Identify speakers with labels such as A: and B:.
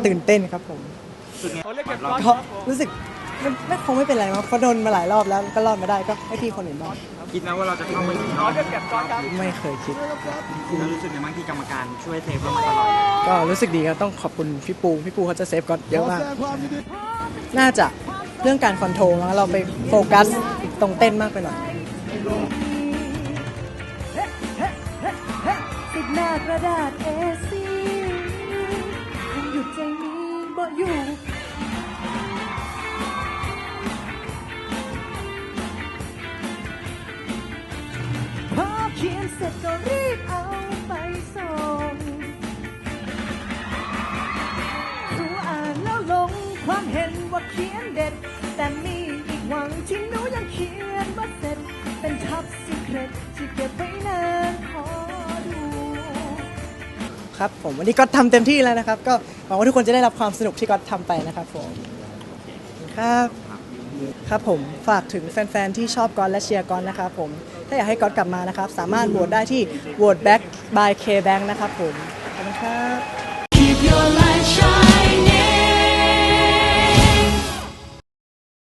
A: ตื่นเต้นครับผมก็รู้สึกไม่คงไม่เป็นไรมั้งเพราะโดนมาหลายรอบแล้วก็รอดมาได้ก็ให้พี่คนอื่นบ้าง
B: คิดนะว่าเราจะเข้าไปถึงรอบ
A: ไม่เคยคิด
B: แล้วรู้สึกยังไงบ้างที่กรรมการช่วยเซฟเรามาตลอด
A: ก็รู้สึกดีครับต้องขอบคุณพี่ปูเขาจะเซฟก็เยอะมากน่าจะเรื่องการคอนโทรลแล้วเราไปโฟกัสตรงเต้นมากไปหน่อย
C: ติดหน้ากระดาษ A4 คงหยุดใจนี้บ่อยู่พอเขียนเสร็จก็รีบเอาไปส่งสู่อ่านแล้วลงความเห็นว่าเขียนเด็ดแต่มีอีกหวังที่หนูยังเขียนว่าเสร็จเป็นท็อปซีเครตที่เก็บไว้นานขอดู
A: ครับผมวันนี้ก็ทำเต็มที่แล้วนะครับก็หวังว่าทุกคนจะได้รับความสนุกที่ก็ทำไปนะครับผมครับครับผมฝากถึงแฟนๆที่ชอบก๊อตและเชียร์ก๊อตนะครับผมถ้าอยากให้ก๊อตกลับมานะครับสามารถโหวตได้ที่ Vote Back by K Bank นะครับผมขอบคุณครับ
C: Keep your life